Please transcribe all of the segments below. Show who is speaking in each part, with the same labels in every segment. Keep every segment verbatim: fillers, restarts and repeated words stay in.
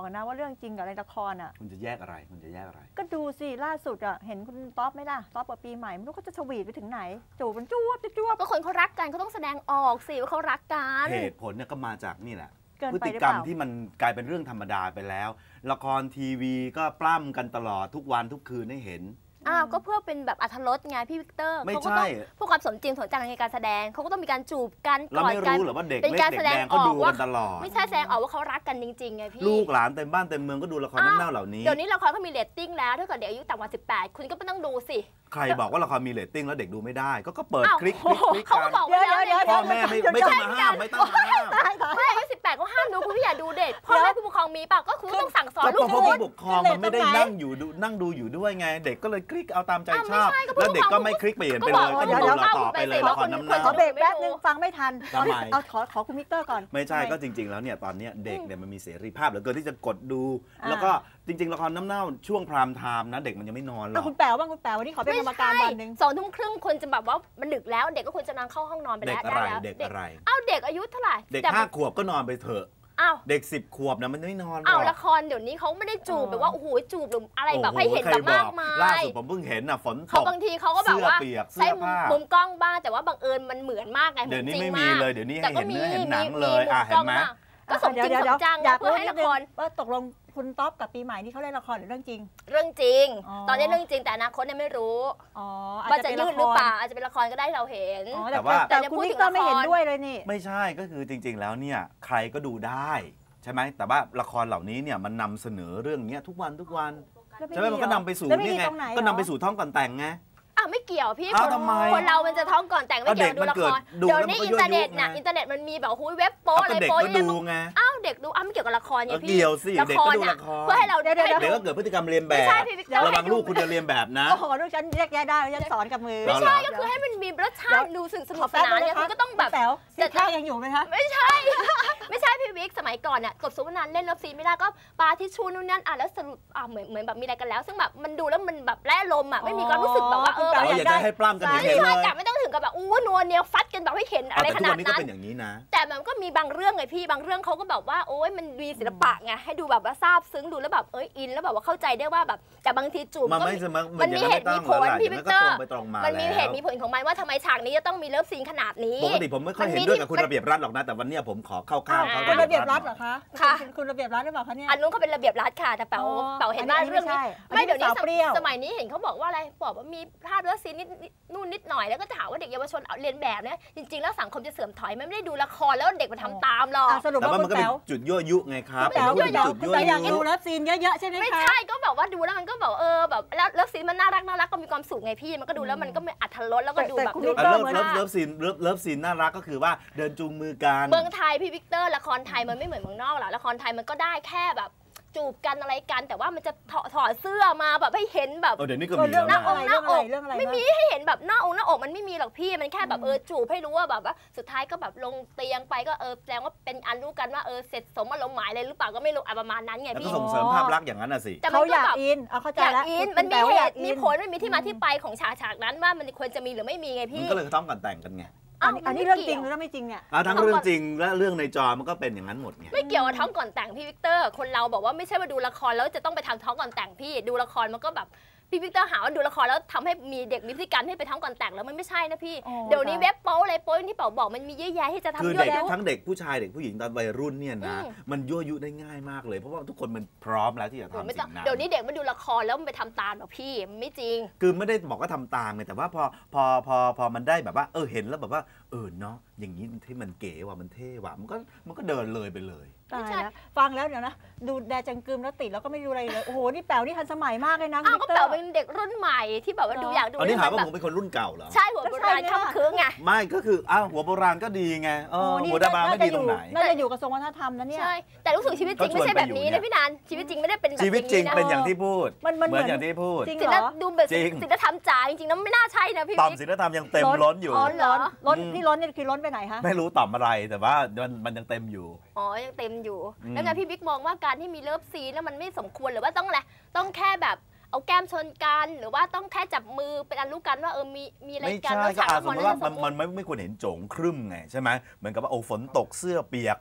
Speaker 1: กันนะว่าเรื่องจริงกับในละครอ่ะ
Speaker 2: คุณจะแยกอะไรคุณจะแยกอะไร
Speaker 1: ก็ดูสิล่าสุดอ่ะเห็นคุณต๊อปไหมล่ะต๊อปกับปีใหม่ไม่รู้เขาจะสวีทไปถึงไหนจูบมันจ้วบจ้วบ
Speaker 3: ก็คนเขารักกันเขาต้องแสดงออกสิว่าเขารักกัน
Speaker 2: เหตุผลเนี่ยก็มาจากนี่แหละพฤติกรรมที่มันกลายเป็นเรื่องธรรมดาไปแล้วละครทีวีก็ปล้ำกันตลอดทุกวันทุกคืนให้เห็น
Speaker 3: อ้าวก็เพื่อเป็นแบบอรรถรสไงพี่วิกเตอร์เขาก็ต้องเพื่อความสมจริงสมจังในการแสดงเขาก็ต้องมีการจูบกัน
Speaker 2: เราไม่รู้หรอว่าเด็กเล็กเด็กแดงเขาดูกันตลอด
Speaker 3: ไม่ใช่แสดงออกว่าเขารักกันจริงๆไงพี่
Speaker 2: ลูกหลานเต็มบ้านเต็มเมืองก็ดูละครน้ำเน่าเหล่านี้
Speaker 3: เดี๋ยวนี้ละครเขามีเรตติ้งแล้วถ้าเกิดเด็กอายุต่ำกว่าสิบแปดคุณก็ไม่ต้องดูสิ
Speaker 2: ใครบอกว่าละครมีเรตติ้งแล้วเด็กดูไม่ได้ก็เปิดคลิกคลิกคลิก
Speaker 3: กัน
Speaker 1: เดี๋ยวเดี๋ยว
Speaker 2: พ่อแม่ไม่ไม่ต้องมาห้ามไม่ต้องมาห้าม
Speaker 3: ไม่อายุสิบแปดก็ห้ามดูคุณพี่อย่าดูเด็กพ่อแม่ผู้ปกครองมีป่ะก็คือต้องสั่งสอนลูก
Speaker 2: เพราะผู้ปกครองมันไม่ได้นั่งอยู่นั่งดูอยู่ด้วยไงเด็กก็เลยคลิกเอาตามใจชอบแล้วเด็กก็ไม่คลิกเปลี่ยนไปเลยก็ดูเราต่อไปเลยละครน้ำเน่า
Speaker 1: ขอเบรกแป๊บนึงฟังไม่ทันเอาขอขอคุณมิกเตอร์ก่อน
Speaker 2: ไม่ใช่ก็จริงๆแล้วเนี่ยตอนนี้เด็กเนี่ยมันมีเสรีภาพเหลือเกินที่จะกดดูแล้วก็จริงๆละครน้ำเน่าช่วงพรามไทม์นะเด็กมันยังไม่นอนหรอก
Speaker 1: คุณแป๋วบ้างคุณแป๋ววันนี้ขอเป็นกรรมการวันนึง
Speaker 3: สองทุ่มครึ่งคนจะแบบว่ามันดึกแล้วเด็กก็ควรจะนอนเข้าห้องนอนไปแล้ว
Speaker 2: เด็กอะไรเด็กอะไร
Speaker 3: อ้าวเด็กอายุเท่าไหร่
Speaker 2: เด็กห้าขวบก็นอนไปเถอะ
Speaker 3: อ้าว
Speaker 2: เด็กสิบขวบนะมันไม่นอนหรอก
Speaker 3: อ้าวละครเดี๋ยวนี้เขาไม่ได้จูบแบบว่าโอ้โหจูบหรืออะไรแบบให้เห็นแบบมากมาย
Speaker 2: ล่าสุดผมเพิ่งเห็นน่ะฝนตก
Speaker 3: บางทีเขาก็แบบว่า
Speaker 2: ใช้
Speaker 3: มุมกล้องบ้างแต่ว่าบังเอิญมันเหมือนมากไง
Speaker 2: เดี๋ยวนี้ไม่มีเลยเดี๋ยวนี้ให้เห็นเนื้อเห็นหนังเลยอ่ะเห็นไหม
Speaker 3: ก็สมจริงสมจังเพื่อให้ละคร
Speaker 1: ว่าตกลงคุณต๊อปกับปีใหม่นี่เขาเล่นละครหรือเรื่องจริง
Speaker 3: เรื่องจริงตอนนี้เรื่องจริงแต่อนาคตเนี่ยไม่รู้ว่าจะยืดหรือเปล่าอาจจะเป็นละครก็ได้เราเห็น
Speaker 2: แต่ว่า
Speaker 1: แต่คุณมิกเตอร์ไม่เห็นด้วยเลยนี่
Speaker 2: ไม่ใช่ก็คือจริงๆแล้วเนี่ยใครก็ดูได้ใช่ไหมแต่ว่าละครเหล่านี้เนี่ยมันนำเสนอเรื่องนี้ทุกวันทุกวันใช่ไหมมันก็นำไปสู่นี่ไงก็นำไปสู่ท้องก่อนแต่งไง
Speaker 3: อ่ะไม่เกี่ยวพี่คนเรามันจะท้องก่อนแต่งไม่เกี่ยวดูละครเดี๋ยวนี้อินเทอร์เน็ตนะอินเทอร์เน็ตมันมีแบบหุ้ยเว็บโป๊อะไรโป๊
Speaker 2: เด็กก็ดูไง
Speaker 3: อ้าวเด็กดูอ้าวไม่เกี่ยวกับละครไงพี่
Speaker 2: เกี่ยวสิเด็กก็ดูละคร
Speaker 3: เพื่อให้เรา
Speaker 2: เด็กก็เกิดพฤติกรรมเรียนแบบระวังลูกคุณจะเรียนแบบนะ
Speaker 1: โอ้โหลูกฉันแยกแยะได้ฉันสอนกับมือ
Speaker 3: ไม่ใช่ก็คือให้มันมีรสชาติดูสนุกสนานเนี่ยคุณก็ต้องแบบ
Speaker 1: แต่ถ้ายังอยู่ไหมคะ
Speaker 3: ไม่ใช่ไม่ใช่พี่วิกสมัยก่อนเนี่ยกบสุวรรณเล่นเลิฟซีนไม่ได้ก็ปาทิชชูนู่นนั่นอ่ะแล้วสรุปอ่ะเหมือนเหมือนแบบมีอะไรกันแล้วซึ่งแบบมันดูแล้วมันแบบแร่ลมอ่ะไม่มีความรู้สึกแบบว่าเออ
Speaker 2: อยากจะให้ปล้ำกัน
Speaker 3: เห็นเลยไม่ต้องถึงกับแบบอู้นัวเนียวฟัดกันแบบให้เห็นอะไรขนาดนั้น
Speaker 2: แต่ทุกวันนี้ก็เป็นอย่างนี้นะ
Speaker 3: แต่มันก็มีบางเรื่องไงพี่บางเรื่องเขาก็แบบว่าโอ๊ยมันมีศิลปะไงให้ดูแบบว่าซาบซึ้งดูแล้วแบบเอ้ยอินแล้วแบบว่าเข้าใจได้ว่าแบบแต่บางทีจูบ
Speaker 2: มัน
Speaker 3: มันมีเหตุมีผลพี่วิกเตอร์
Speaker 2: มั
Speaker 3: นมีเหตุมีผลของมันว่าทำไมฉากนี้จะต้องมีเลิฟซีนขนาดนี้
Speaker 2: ปกติผมไม่ค่อยเห็นด้วยกับคุณระเบียบรัฐหรอกนะแต่วันนี้ผมขอเข้าข้างเขา
Speaker 1: คุณระเบียบรัฐเหรอคะค่ะคุณระเบียบรัฐหรือเปล่าคะเนี่ย
Speaker 3: อันนู้นเขาเป็นระเบียบรัฐค่ะแต่เป๋าเป๋าเห็นว่าเรื่องนี้ไม่เดี๋ยวนี้สมัยนี้เห็นเขาบอกว่าอะไรบอกว่ามีภาพเลิฟซีนนิดนู่นนิดหน่อยแล้วก็จะหาว่าเด็กเยาวชนเรียนแบบเนี่ยจริงๆแล้วสังคมจะเสื่อมถอยไม่ได้ดูละครแล้วเด็กมาทำตามหรอก
Speaker 2: แต่ว่ามันก็เป็นจุดยั่วยุไงครับ
Speaker 1: แต่ว่าจุดยั่วยุอยากดูเลิฟซีนเยอะๆใช่ไหมคะ
Speaker 3: ไม่ใช่ก็แบบว่าดูแล้วมันก็แบบเออแบบแล้วเลิฟซีนมันน่ารักน่ารักก็มีความสุขไงพี่มันก็ดูแล้วมันก็ไม่อัธรสแล้วก็ดูแบบดู
Speaker 2: เลิฟเลิฟเลิฟซีนเลิฟเลิฟซีนน่ารักก็คือว่าเดินจูงมือกัน
Speaker 3: เมืองไทยพี่วิกเตอร์ละครไทยมันไม่เหมือนเมืองนอกหรอกละครไทยมันก็ได้แค่แบบจูบกันอะไรกันแต่ว่ามันจะถอดเสื้อมาแบบให้เห็นแบบ
Speaker 2: เดี๋ยวนี้ก็มี
Speaker 3: หน้าอกหน้าอกไม่มีให้เห็นแบบหน้าอกหน้าอกมันไม่มีหรอกพี่มันแค่แบบเออจูบให้รู้ว่าแบบว่าสุดท้ายก็แบบลงเตียงไปก็เออแสดงว่าเป็นอันรู้กันว่าเออเสร็จสมอารมณ์หมายเลยหรือเปล่าก็ไม่รู้ประมาณนั้นไงพี่
Speaker 2: ก็ส่งเสริมภาพลักษณ์อย่างนั้นน่ะสิ
Speaker 1: เขาอยากอินเอาเข้าใจแล้ว
Speaker 3: มันมีเหตุมีผลมันมีที่มาที่ไปของฉากฉากนั้นว่ามันควรจะมีหรือไม่มีไงพี่
Speaker 2: มันก็เลยต้องกันแต่งกันไง
Speaker 1: อันนี้เรื่องจริงหรือไม่จริงเนี่ย
Speaker 2: ทั้งเรื่องจริงและเรื่องในจอมันก็เป็นอย่างนั้นหมดไง
Speaker 3: ไม่เกี่ยวกับท้องก่อนแต่งพี่วิกเตอร์คนเราบอกว่าไม่ใช่ว่าดูละครแล้วจะต้องไปทำท้องก่อนแต่งพี่ดูละครมันก็แบบพี่วิกเตอร์หาว่าดูละครแล้วทำให้มีเด็กมีพฤติกรรมให้ไปท้องก่อนแต่งแล้วมันไม่ใช่นะพี่เดี๋ยวนี้เว็บโป๊อะไรโป๊ที่เป๋าบอกมันมีเยอะแยะที่จะทำ
Speaker 2: ยั่วยุทั้งเด็กผู้ชายเด็กผู้หญิงตอนวัยรุ่นเนี่ยนะมันยั่วยุได้ง่ายมากเลยเพราะว่าทุกคนมันพร้อมแล้วที่จะทำสิ่งนั้น
Speaker 3: เดี๋ยวนี้เด็กมันดูละครแล้วมันไปทำตามหรอพี่ไม่จริง
Speaker 2: คือไม่ได้บอกว่าทำตามไงแต่ว่าพอพอพอพอมันได้แบบว่าเออเห็นแล้วแบบว่าเออเนาะอย่างนี้ที่มันเก๋ว่ะมันเท่ว่ะมันก็มันก็เดินเลยไปเลย
Speaker 1: ตายแล้วฟังแล้วเดี๋ยวนะดูแดจังกึมแล้วติดแล้วก็ไม่ดูอะไรเลยโอ้โหนี่แป๋วนี่ทันสมัยมากเลยนะ
Speaker 3: อ้าวก็แป๋วเป็นเด็กรุ่นใหม่ที่แบบว่าดูอยากดู
Speaker 2: อันนี้หาว่าผมเป็นคนรุ่นเก่าเหรอ
Speaker 3: ใช่หัวโบราณข้ามคืนไง
Speaker 2: ไม่ก็คืออ้าวหัวโบราณก็ดีไงเออหัวดาบาไม่ดีตรงไหน
Speaker 1: น่าจะอยู่กระทรวงวัฒนธรรมนะเนี่ย
Speaker 3: ใช่แต่รู้สึกชีวิตจริงไม่ใช่แบบนี้นะพี่นันชีวิตจริงไม่ได้เป็นแบบนี้
Speaker 2: ชีวิตจริงเป็นอย่างที่พูดเหมือนอย่างที่พูด
Speaker 1: จริงเหรอ
Speaker 3: ดูแบบศิลธรรมจ๋าจริงๆแล้วไม่น่าใช่นะพี่
Speaker 2: ต่อมศิลธรรมยังเต็มล้นอยู่
Speaker 3: อ๋อเหรอ
Speaker 1: ล้นนี่ล้นนี่คือล้นไปไหนคะ
Speaker 2: ไม่รู้ต่อมอะไรแต่ว่ามันมันยังเต็มอยู่
Speaker 3: อ๋อยังเต็มอยู่แล้วไงพี่บิ๊กมองว่าการที่มีเลิฟซีนแล้วมันไม่สมควรหรือว่าต้องอะไรต้องแค่แบบเอาแก้มชนกันหรือว่าต้องแค่จับมือเป็นอันรู้กันว่าเออมีมีอะไรกัน
Speaker 2: แล้วฉากมันมันไม่ไม่ควรเห็นโจงครึ่มไงใช่ไหมเหมือนกับว่าโอ้ฝนตกเสื้อเปียก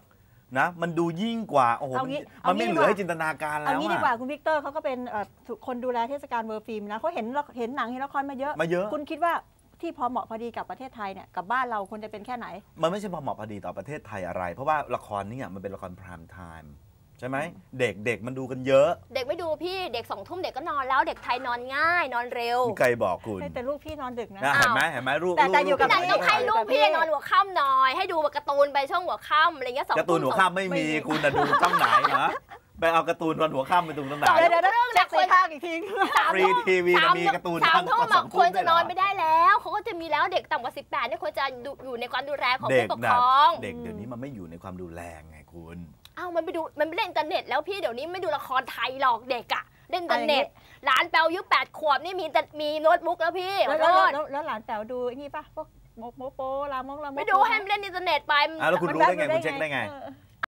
Speaker 2: นะมันดูยิ่งกว่าโอ้โห
Speaker 1: เอางี้
Speaker 2: มันไม่
Speaker 1: เอางี้
Speaker 2: เหลือให้จินตนาการแล้
Speaker 1: เอา
Speaker 2: ว
Speaker 1: งี้ดีกว่า
Speaker 2: อะ
Speaker 1: คุณวิกเตอร์เขาก็เป็นเอ่อคนดูแลเทศกาลเวิร์ฟิล์มนะเขาเห็นเห็นหนังเห็นละครมาเยอะ
Speaker 2: มาเยอะ
Speaker 1: คุณคิดว่าที่พอเหมาะพอดีกับประเทศไทยเนี่ยกับบ้านเราควรจะเป็นแค่ไหน
Speaker 2: มันไม่ใช่พอเหมาะพอดีต่อประเทศไทยอะไร เพราะว่าละครนี่มันเป็นละครพรามไทม์ใช่ไหมเด็กเด็กมันดูกันเยอะ
Speaker 3: เด็กไม่ดูพี่เด็กสองทุ่มเด็กก็นอนแล้วเด็กไทยนอนง่ายนอนเร็ว
Speaker 2: ใครบอกคุณ
Speaker 1: แต่ลูกพี่นอนดึกนะ
Speaker 2: นะเห็นไหมเห็นไหมลูก
Speaker 1: แต่แต่อยู่กับ
Speaker 3: พี่
Speaker 2: ลู
Speaker 3: นายต้องให้ลูกพี่นอนหัวค่ำหน่อย ให้ดูการ์ตูนไปช่วงหัวค่ำอะไรเงี้ยสอง
Speaker 2: การ์ตูนหัวค่ำไม่มีคุณน่ะดูช่องไหนนะไปเอาการ์ตูนวันหัวค่ำไปดูตรงไหน
Speaker 1: เดี๋ยวเดี๋ยวเดี๋ยวเช็คสีภาคอีกที
Speaker 2: ฟรีทีวีมีการ์ตูน
Speaker 3: สามทุ่ม
Speaker 2: สองทุ่ม
Speaker 3: ควรจะนอน
Speaker 2: ด้วยเหรอ
Speaker 3: ไม่ได้แล้วเขาก็จะมีแล้วเด็กต่ำกว่าสิบแปดเนี่ยควรจะอยู่ในความดูแลของ
Speaker 2: เด็
Speaker 3: ผู้
Speaker 2: ก
Speaker 3: ปก
Speaker 2: นะ
Speaker 3: ครอง
Speaker 2: เด็กเดี๋ยวนี้มันไม่อยู่ในความดูแลไงคุณ
Speaker 3: อ้าวมันไปดูมันไปเล่นอินเทอร์เน็ตแล้วพี่เดี๋ยวนี้ไม่ดูละครไทยหรอกเด็กอะเล่นอินเทอร์เน็ตหลานแปลวอายุแปดขวบนี่มีแต่มีโน้ตบุ๊กแล้วพี่
Speaker 1: แล้ว
Speaker 3: ขอ
Speaker 1: แล้ว
Speaker 3: โทษ
Speaker 1: แล้วแล้วหลานแป๋วดูไอ้นี่ป่ะพวกโมโมโปลามงลามง
Speaker 3: ไม่ดูให้มันเล่นอินเทอร์เน็ตไป
Speaker 2: อ่ะแล้วคุณรู้ได้ไงคุณเช็คได้ไง
Speaker 1: เออ